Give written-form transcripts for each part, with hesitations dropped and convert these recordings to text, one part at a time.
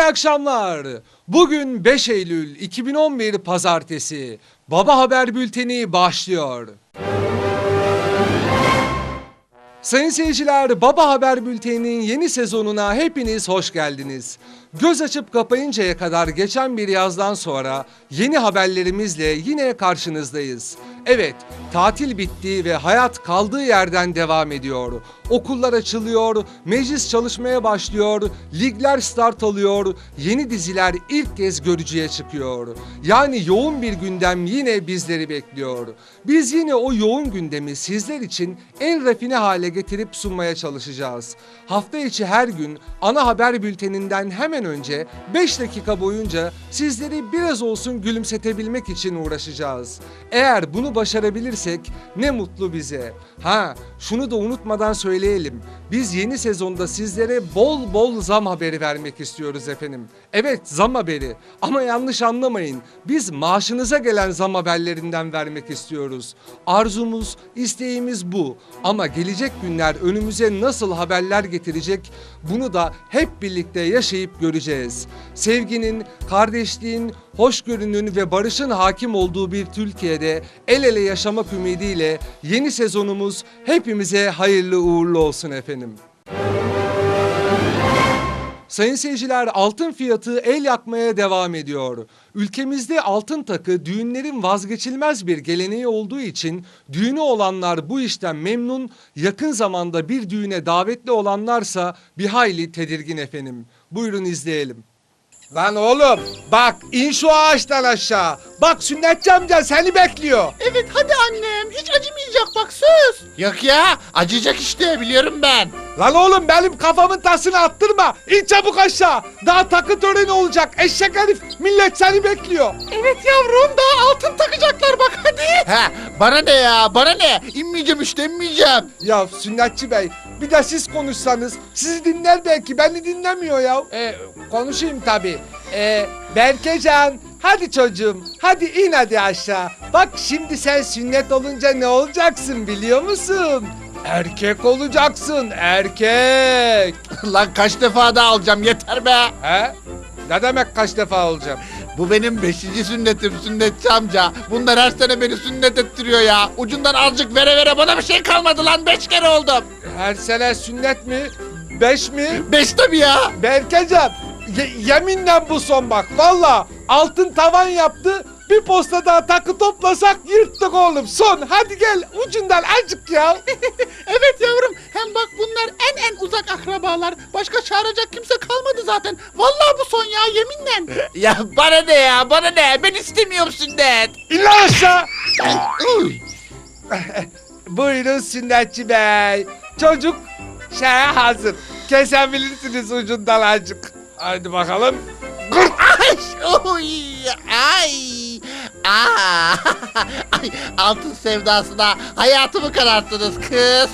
akşamlar. Bugün 5 Eylül 2011 Pazartesi. Baba Haber Bülteni başlıyor. Sayın seyirciler, Baba Haber Bülteni'nin yeni sezonuna hepiniz hoş geldiniz. Göz açıp kapayıncaya kadar geçen bir yazdan sonra yeni haberlerimizle yine karşınızdayız. Evet, tatil bitti ve hayat kaldığı yerden devam ediyor. Okullar açılıyor, meclis çalışmaya başlıyor, ligler start alıyor, yeni diziler ilk kez görücüye çıkıyor. Yani yoğun bir gündem yine bizleri bekliyor. Biz yine o yoğun gündemi sizler için en rafine hale getirip sunmaya çalışacağız. Hafta içi her gün ana haber bülteninden hemen önce 5 dakika boyunca sizleri biraz olsun gülümsetebilmek için uğraşacağız. Eğer bunu başarabilirsek ne mutlu bize. Şunu da unutmadan söyleyelim. Biz yeni sezonda sizlere bol bol zam haberi vermek istiyoruz efendim. Evet, zam haberi. Ama yanlış anlamayın. Biz maaşınıza gelen zam haberlerinden vermek istiyoruz. Arzumuz, isteğimiz bu. Ama gelecek günler önümüze nasıl haberler getirecek, bunu da hep birlikte yaşayıp göreceğiz. Sevginin, kardeşliğin, hoşgörünün ve barışın hakim olduğu bir Türkiye'de el ele yaşamak ümidiyle yeni sezonumuz hepimize hayırlı uğurlu olsun efendim. Sayın seyirciler, altın fiyatı el yakmaya devam ediyor. Ülkemizde altın takı düğünlerin vazgeçilmez bir geleneği olduğu için düğünü olanlar bu işten memnun, yakın zamanda bir düğüne davetli olanlarsa bir hayli tedirgin efendim. Buyurun izleyelim. Lan oğlum bak, in şu ağaçtan aşağı. Bak, sünnetçi amca seni bekliyor. Evet hadi annem, hiç acımayacak bak, söz. Yok ya, acıyacak işte, biliyorum ben. Lan oğlum, benim kafamın tasını attırma. İn çabuk aşağı. Daha takı töreni olacak. Eşek herif, millet seni bekliyor. Evet yavrum, daha altın takacaklar bak, hadi. Bana ne ya, bana ne? İnmeyeceğim işte, inmeyeceğim. Ya sünnetçi bey, bir de siz konuşsanız. Sizi dinler belki, beni dinlemiyor ya. Konuşayım tabii. Berkecan, hadi çocuğum, hadi in hadi aşağı. Bak şimdi sen sünnet olunca ne olacaksın biliyor musun? Erkek olacaksın, erkek. Lan kaç defa daha alacağım, yeter be. Ne demek kaç defa olacağım? Bu benim 5. sünnetim sünnetçi amca. Bunlar her sene beni sünnet ettiriyor ya. Ucundan azıcık vere vere bana bir şey kalmadı lan, 5 kere oldum. Her sene sünnet mi? 5 mi? 5 tabii ya. Berkecan, yeminle bu son bak. Valla altın tavan yaptı. Bir posta daha takı toplasak yırttık oğlum. Son, hadi gel ucundan azıcık ya. Evet yavrum, hem bak bunlar en uzak akrabalar. Başka çağıracak kimse kalmadı zaten. Vallahi bu son ya, yeminle. Ya bana ne ya, bana ne? Ben istemiyorum sünnet. İn lan aşağı. Buyurun sünnetçi bey. Çocuk şeye hazır. Kesebilirsiniz ucundan azıcık. Hadi bakalım. Ay, oy, ay, ay, altın sevdasına hayatımı kararttınız kız.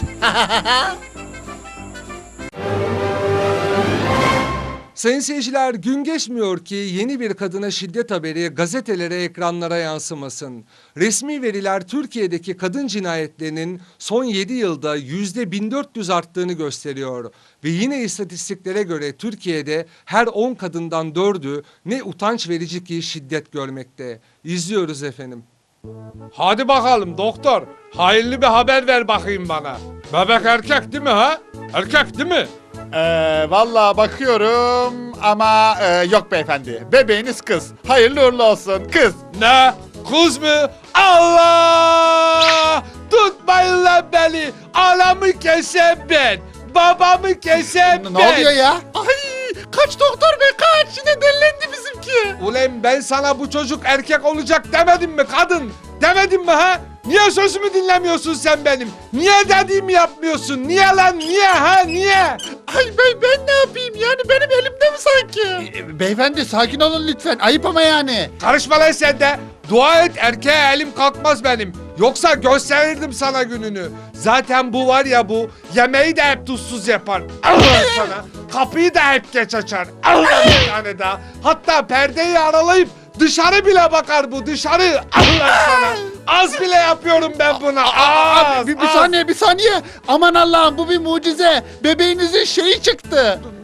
Sayın seyirciler, gün geçmiyor ki yeni bir kadına şiddet haberi gazetelere, ekranlara yansımasın. Resmi veriler Türkiye'deki kadın cinayetlerinin son 7 yılda %1400 arttığını gösteriyor. Ve yine istatistiklere göre Türkiye'de her 10 kadından 4'ü ne utanç verici ki şiddet görmekte. İzliyoruz efendim. Hadi bakalım doktor, hayırlı bir haber ver bakayım bana. Bebek erkek değil mi ha? Erkek değil mi? Vallahi bakıyorum ama yok beyefendi. Bebeğiniz kız. Hayırlı uğurlu olsun kız. Ne? Kız mı? Allah! Tutmayın lan beni! Anamı kesen ben! Babamı kesen ben! Ne oluyor ya? Ay, kaç doktor bey kaç, yine delilendi bizimki. Ulan ben sana bu çocuk erkek olacak demedim mi kadın? Demedim mi ha? Niye sözümü dinlemiyorsun sen benim? Niye dediğimi yapmıyorsun? Niye lan? Niye ha? Niye? Ay ben ne yapayım yani, benim elimde mi sanki? Beyefendi sakin olun lütfen. Ayıp ama yani. Karışma lan sen de. Dua et erkeğe elim kalkmaz benim. Yoksa gösterirdim sana gününü. Zaten bu var ya bu, yemeği de hep tuzsuz yapar. Allah sana. Kapıyı da hep geç açar. Allah bir tane daha. Hatta perdeyi aralayıp dışarı bile bakar bu, dışarı. Allah sana. Az bile yapıyorum ben buna. Az, Bir saniye. Aman Allah'ım, bu bir mucize. Bebeğinizin şeyi çıktı.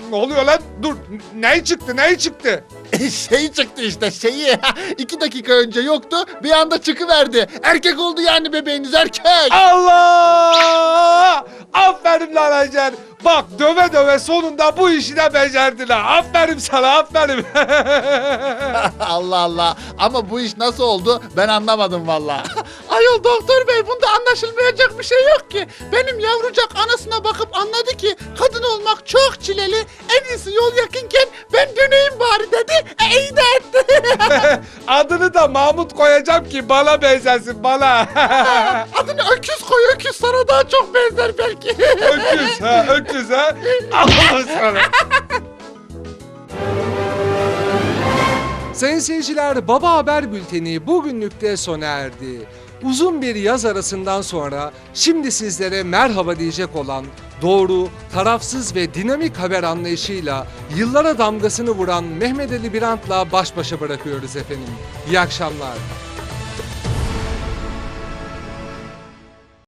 Ne oluyor lan? Dur. Ne çıktı? Şeyi çıktı işte şeyi. 2 dakika önce yoktu bir anda çıkıverdi. Erkek oldu yani bebeğiniz erkek. Allah! Aferin lan Hacer. Bak döve döve sonunda bu işi de becerdin ha. Aferin sana aferin. Allah Allah. Ama bu iş nasıl oldu ben anlamadım valla. Ayol doktor bey bunda anlaşılmayacak bir şey yok ki. Benim yavrucak anasına bakıp anladı ki kadın olmak çok çileli. En iyisi yol yakınken ben döneyim bari dedi. İyi de etti. Adını da Mahmut koyacağım ki bana benzesin bana. Adını öküz koy öküz sana daha çok benzer belki. öküz ha. Allah'ım sana. Sayın seyirciler, Baba Haber Bülteni bugünlük de sona erdi. Uzun bir yaz arasından sonra şimdi sizlere merhaba diyecek olan doğru, tarafsız ve dinamik haber anlayışıyla yıllara damgasını vuran Mehmet Ali Birant'la baş başa bırakıyoruz efendim. İyi akşamlar.